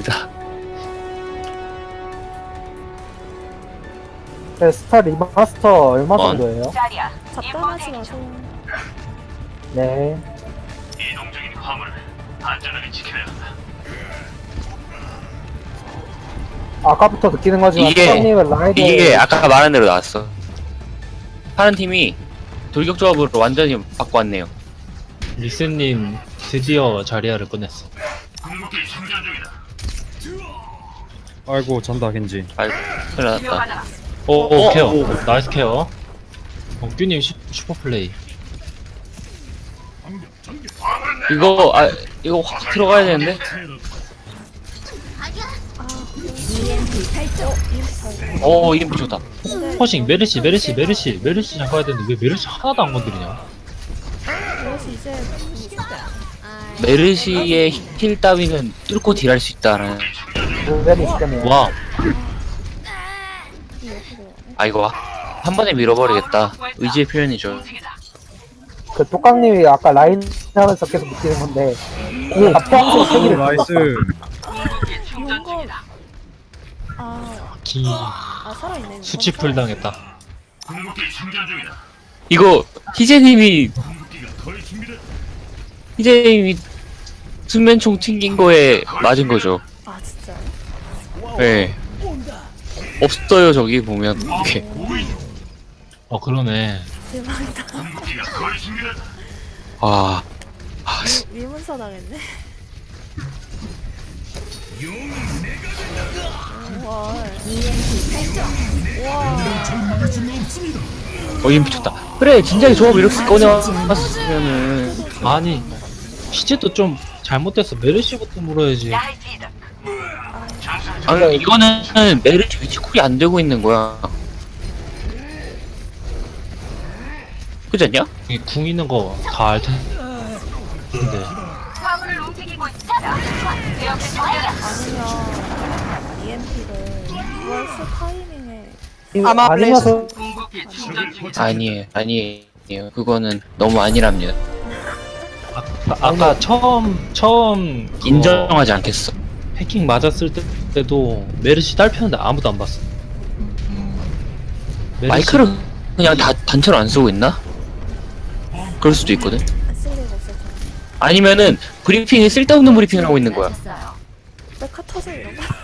있습니다. 네, 스타 리마스터 얼마 원. 정도예요? 잡담하지 마세요. 네. 이동 중인 화물을 안전하게 지켜야 한다. 아까부터 느끼는 거지만 이게- 수장님은 라이드 이게 아까 말한 대로 나왔어. 파란 팀이 돌격조합으로 완전히 바꿔왔네요. 리스님 드디어 자리아를 꺼냈어. 궁극기 충전 중이다. 아이고 잔다 겐지. 아이고, 큰일 났다. 오 케어. 오. 나이스 케어. 큐님 슈퍼플레이. 이거 확 들어가야 되는데? 이름표 좋다. 퍼싱 메르시 잡아야 되는데 왜 메르시 하나도 안 건드리냐? 그래서 이제 메르시의 힐 따위는 뚫고 딜할 수 있다는. 모델이 있다네요. 와 이거 한 번에 밀어버리겠다. 의지의 표현이죠. 그 똑강님이 아까 라인 하면서 계속 느끼는 건데 이 앞장서 세기를 나이스. 용검 기 살아있네. 수치풀 당했다. 궁극기 충전 중이다. 이거 희재님이 궁극기가 거의 준비됐다. 희재님이 수면총 튕긴 거에 맞은 거죠. 아 진짜요? 네. 없어요 저기 보면 이렇게. 그러네. 대박이다. 궁극기가 거의 준비됐다. 와. 위문서 당했네. 와. 이름 미쳤다. 그래 진작에 조합 이렇게 꺼내왔으면은. 아니 시제도 좀 잘못됐어. 메르시부터 물어야지. 아니 이거는 메르시 위치 쿨이 안 되고 있는 거야. 그렇지 않냐? 이궁 있는 거 다 알 텐데. 아니면 EMP를 월스 타이밍에 아니면서 궁극기 충전 중이다. 아니에요. 그거는 너무 아니랍니다. 아까 처음 그거 인정하지 않겠어. 해킹 맞았을 때도 메르시 딸피는데 아무도 안 봤어. 메르시- 마이크를 그냥 다 단체로 안 쓰고 있나? 그럴 수도 있거든. 쓸 리가 없어서 아니면은 브리핑이 쓸데없는 브리핑을 하고 있는 거야. 메카 터져 이런 거.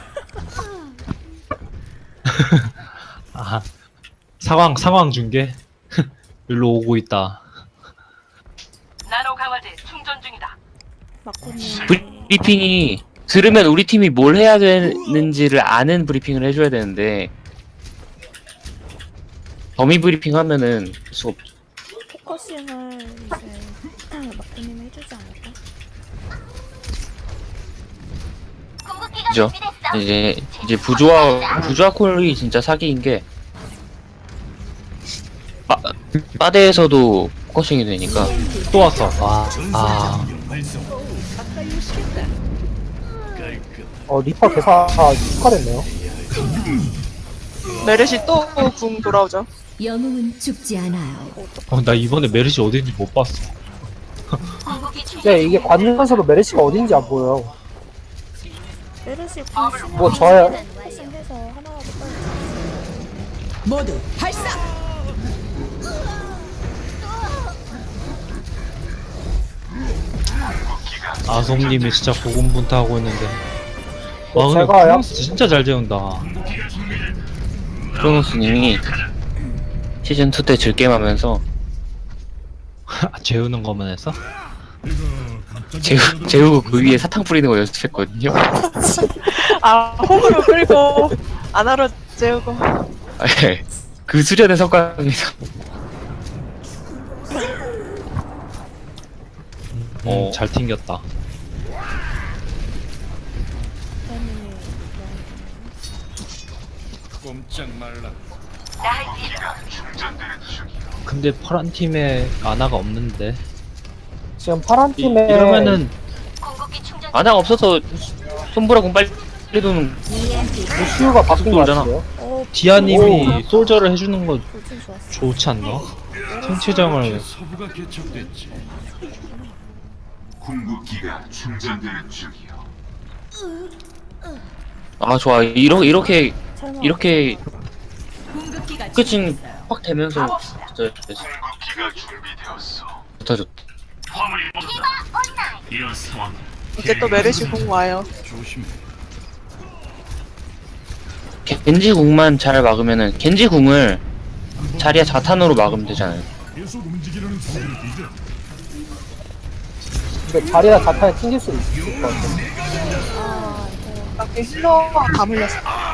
아 상황 중계 일로 오고 있다. 나노 강화제 충전 중이다. 마코님 브리핑이 들으면 우리 팀이 뭘 해야 되는지를 아는 브리핑을 해줘야 되는데 범위 브리핑 하면은 수가 없죠. 포커싱을 이제 마코님이 해주지 않을까? 그죠? 이제 부조화 콜이 진짜 사기인 게 빠데에서도 포커싱이 되니까. 또 왔어. 리퍼 개사 축하됐네요. 메르시 또 궁 돌아오죠. 영웅은 죽지 않아요. 나 이번에 메르시 어딘지 못 봤어. 네, 이게 관전에서도 메르시가 어딘지 안 보여요. 메르시 뭐 저요? 포커싱해서 하나라도 빨리 모두 발사! 아솜님이 진짜 고군분투하고 있는데. 와 근데 제가 프랑스 진짜 잘 재운다. 크로노스님이 시즌2 때 즐겜하면서 재우는 것만 했어? 재우고 그 위에 사탕 뿌리는 거 연습했거든요. 호구로 끌고 안하로 재우고. 그 수련의 성과입니다. 잘 튕겼다. 마코님이 근데 파란 팀에 아나가 없는데. 지금 파란 팀에 이러면은 아나 없어서 손보라군 빨리 도는 루시우가 바뀐 것 돌잖아. 같아요. 디아님이 솔저를 해주는 거 돌진 좋았어. 좋지 않나? 생체장을 서부가 개척됐지. 궁극기가 충전되는 중이요. 아 좋아. 이렇게 잘 나와. 이렇게 궁극기가 끝이 확 되면서 진짜 궁극기가 준비되었어. 좋다 좋다. 화물이 모른다. 이런 상황 이제 또 메르시 공 와요. 조심해. 겐지 궁만 잘 막으면은 겐지 궁을 자리야 자탄으로 막으면 되잖아요. 근데 자리나 자탄에 튕길 수 있을 것 같아. 밖에 힐러가 다 물렸어.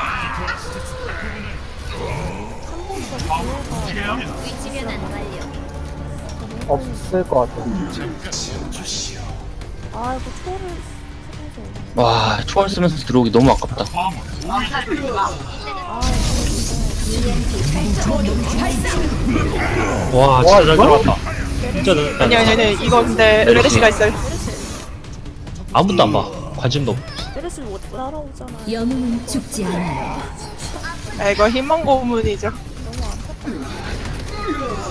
없을 것 같아. 아 이거 초를 해서. 와 초월 쓰면서 들어오기 너무 아깝다. 와 진짜 잘 들어왔다. 진짜 잘 아니 들어왔다. 이거 근데 메르시가 있어요. 아무도 안 봐. 관심도 없고. 메르시 못 따라오잖아. 영웅은 죽지 않아요. 아, 이거 희망 고문이죠. 너무 안타깝다.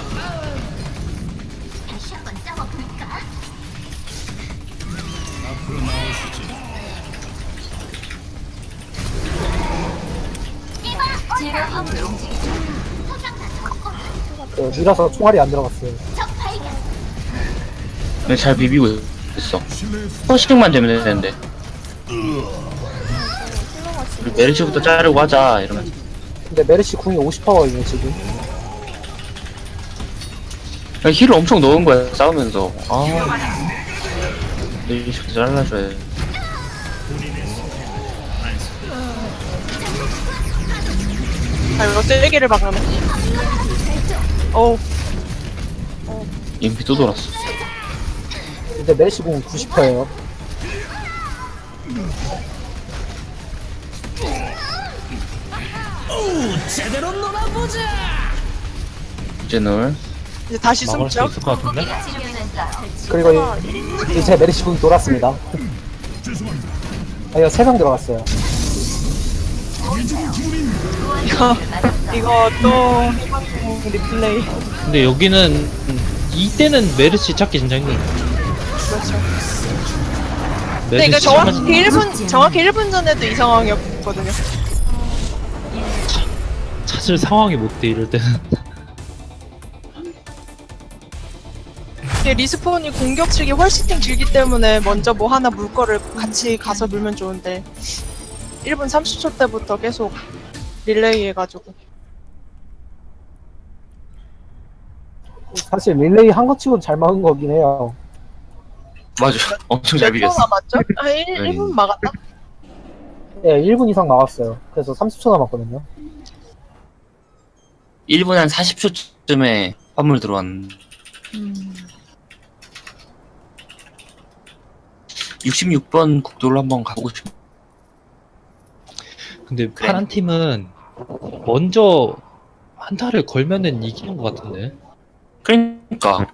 밀어서 총알이 안 들어갔어요. 근데 잘 비비고 있어. 퍼싱만 되면 되는데. 우리 메르시부터 자르고 하자 이러면. 근데 메르시 궁이 50%거든요 지금. 힐을 엄청 넣은 거야 싸우면서. 아 메르시부터 잘라줘야 돼. 아, 이거 쐐기를 막으면. 어우, 인피 또 돌았어. 근데 메르시 궁 90%예요. 제널. 이제 다시 막을 수 숨죠? 있을 것 같은데? 그리고 이제 메르시 궁이 돌았습니다. 아, 이거 3명 들어갔어요. 이거 또 희망 고문 리플레이. 근데 여기는 이때는 메르시 찾기 진짜 힘들어. 그렇죠. 근데 이거 정확히 1분 전에도 이 상황이었거든요. 찾을 상황이 못 돼 이럴 때는. 이게 리스폰이 공격측이 훨씬 길기 때문에 먼저 뭐 하나 물 거를 같이 가서 물면 좋은데 1분 30초 때부터 계속 릴레이 해가지고 사실 릴레이 한 것 치고는 잘 막은 거긴 해요. 맞아. 엄청 잘 몇 초 비겼어. 남았죠? 아 1분 막았나? 네, 1분 이상 막았어요. 그래서 30초 남았거든요. 1분 한 40초쯤에 화물 들어왔는. 66번 국도로 한번 가보고 싶어. 근데 파란 팀은 먼저 한타를 걸면은 이기는 것 같은데. 그러니까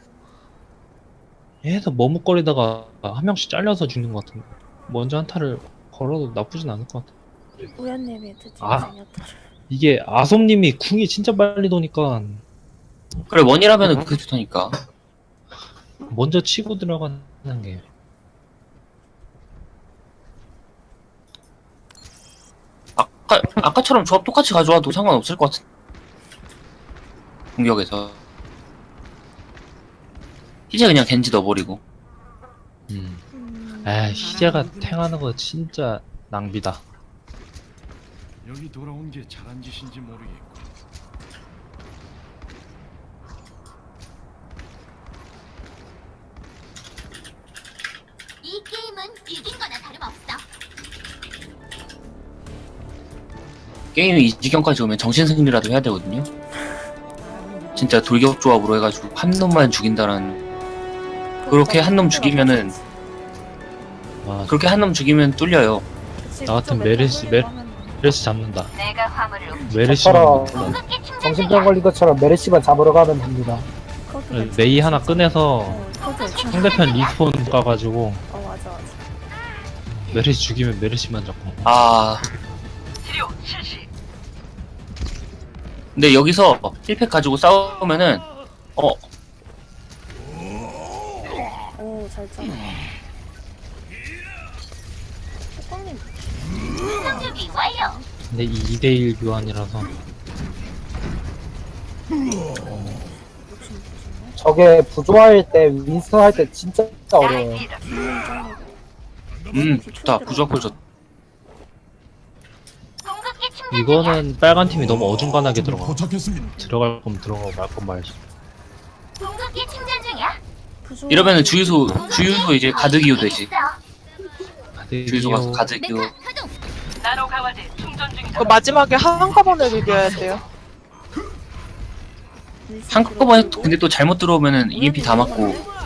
얘도 머뭇거리다가 한 명씩 잘려서 죽는 것 같은데. 먼저 한타를 걸어도 나쁘진 않을 것 같아. 우연님이 드디어 아. 생겼다. 이게 아솜님이 궁이 진짜 빨리 도니까 그래 원이라면은 그게 좋다니까. 먼저 치고 들어가는 게. 아까처럼 조합 똑같이 가져와도 상관없을 것 같은. 공격에서 이제 그냥 겐지 넣어버리고. 에 희재가 탱하는 거 진짜 낭비다. 여기 돌아온 게 잘한 짓인지 모르겠고. 이 게임은 이긴 거나 다름없어. 게임이 이 지경까지 오면 정신승리라도 해야 되거든요. 진짜 돌격 조합으로 해가지고 한 놈만 죽인다라는. 그렇게 한 놈 죽이면은 와, 그렇게 한 놈 죽이면 뚫려요. 나 같은 메르시 잡는다. 내가 화물을 메르시만 저처럼 정신병 걸린 것처럼 메르시만 잡으러 가면 됩니다. 메이 하나 꺼내서 상대편 리스폰 가가지고 맞아. 메르시 죽이면 메르시만 잡고. 아. 근데 여기서 1팩 가지고 싸우면은 오, 잘 짜. 뚜껑님. 준비 완료. 근데 2대1 교환이라서 저게 부조할 때 윈스턴 할 때 진짜 어려워요. 좋다. 부조합 좋다. 궁극기 충전. 이거는 빨간 팀이 너무 어중간하게 들어가. 도착했습니다. 들어갈 거면 들어가고 말 건 말지. 궁극기 충전 중이야. 이러면은 주유소 이제 가득 이유 되지. 다들 주유소 가서 이어- 가득 이유. 그 마지막에 한꺼번에 비벼야 돼요. 한꺼번에 근데 또 잘못 들어오면은 EMP 다 맞고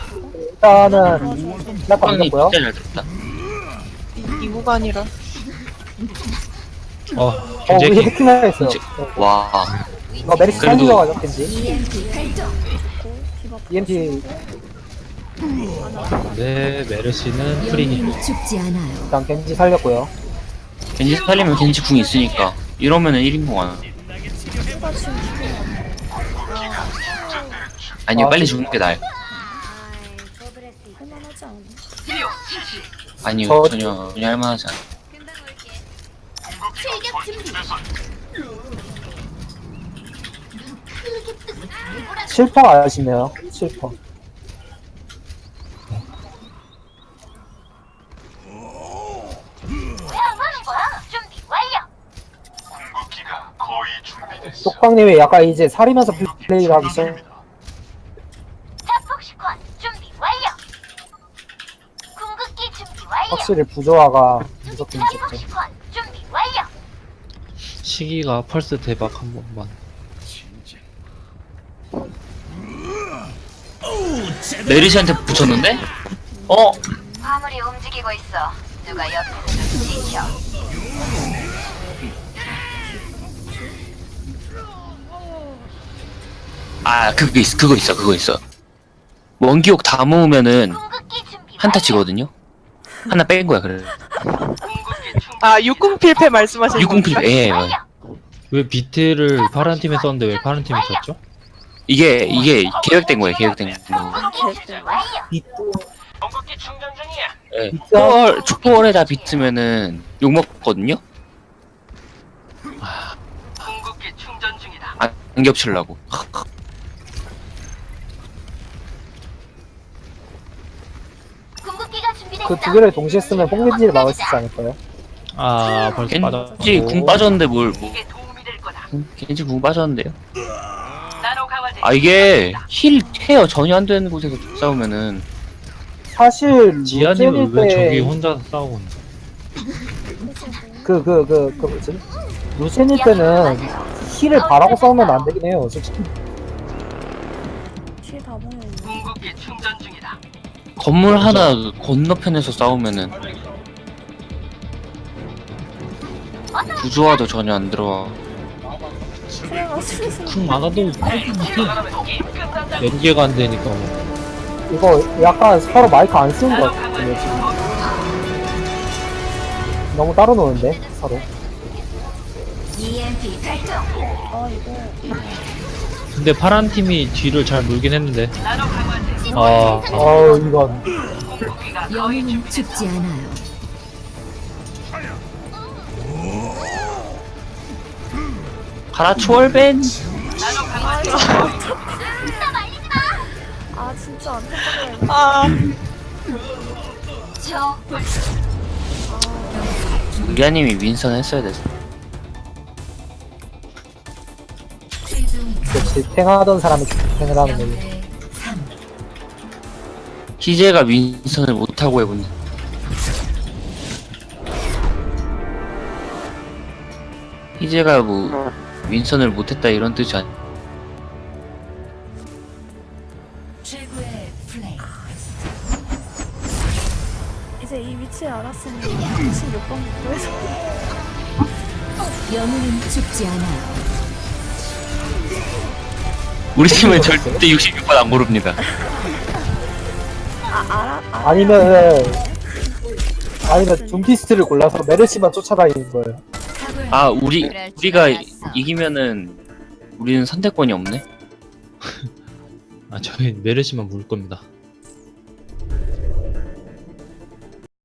일단은 시작 빵이 걸렸고요. 진짜 잘 됐다. 이 구간이라. 우리 겐제키 해킹을 했어요. 이제- 와, 이거 메리스 그래도- 살리려고 겐지. EMP 발동. EMP 네 메르시는 프리니. 영웅은 죽지 않아요. 일단 겐지 살렸고요. 겐지 살리면 겐지 궁 있으니까 이러면은 1인공 안. 아니요, 아, 빨리 진짜. 죽는 게 나아요. 할만하지 않아? 아니요, 저- 전혀 할만하지 않아. 출격 준비. 7퍼 아시네요. 7퍼. 왜 안 하는 거야? 준비 완료. 궁극기가 거의 준비됐어. 똑방님이 약간 이제 살이면서 플레이를 하기 시작. 자폭 시퀀 준비 완료. 궁극기 준비 완료. 확실히 부조화가 무섭긴 자폭 무섭죠. 시퀀 준비 완료. 시기가 펄스 대박 한 번만. 메리시한테 붙였는데? 어? 화물이 움직이고 있어. 누가 옆에서 좀 지켜. 아, 그거 있어. 원기옥 다 모으면은 궁극기 준비 한타 완료. 치거든요? 하나 뺀 거야, 그래. 아, 60필패 말씀하시는 608, 예, 예. 완료. 왜 비트를 파란 팀에 썼는데 왜 파란 팀에 썼죠? 이게 계획된 거예요, 계획된 거. 궁극기 준비 완료. 궁극기 충전 중이야. 예. 초월에다 비트면은 욕먹거든요? 궁극기 충전 중이다. 안 겹치려고. 궁극기가 준비됐어. 그 두 개를 동시에 쓰면 뽕겐지를 막을 수 있지 않을까요? 아 벌써 빠졌고. 겐지 궁 빠졌는데 뭘, 이게 도움이 될 거다. 겐지 궁 빠졌는데요? 나노 강화제. 아, 이게 힐 케어 전혀 안 되는 곳에서 싸우면은 사실 지아님은 루젠일 왜 저기 때 혼자 싸우고 있는? 그 뭐지? 루젠일 때는 힐을 바라고 싸우면 안 되긴 해요. 솔직히. 뒤에 다 모여있네. 궁극기 충전 중이다. 건물 하나 건너편에서 싸우면은 구조화도 전혀 안 들어와. 그래가 슬슬 쿵 막아도 연계가 안 되니까 뭐. 이거 약간 서로 마이크 안 쓰는 것 같아요 지금. 너무 따로 노는데 서로. EMP 발동. 아 이거 근데 파란 팀이 뒤를 잘 물긴 했는데. 아 이건 영웅은 죽지 않아요. 가라 초월벤. 아 진짜 안타깝네. 아, 저 리아님이 윈선 했어야 됐어. 역시 탱하던 사람이 탱을 하는 거예요. 희재가 윈선을 못하고 해본. 희재가 뭐 윈선을 못했다 이런 뜻이 아니. 최고의 플레이. 이제 이 위치 알았으니 26번 구에서 영웅은 죽지 않아요. 우리 팀은 절대 66번 안 고릅니다. 아니면 둠피스트를 골라서 메르시만 쫓아다니는 거예요. 아, 우리가 이기면은 우리는 선택권이 없네. 아 저희 메르시만 물 겁니다.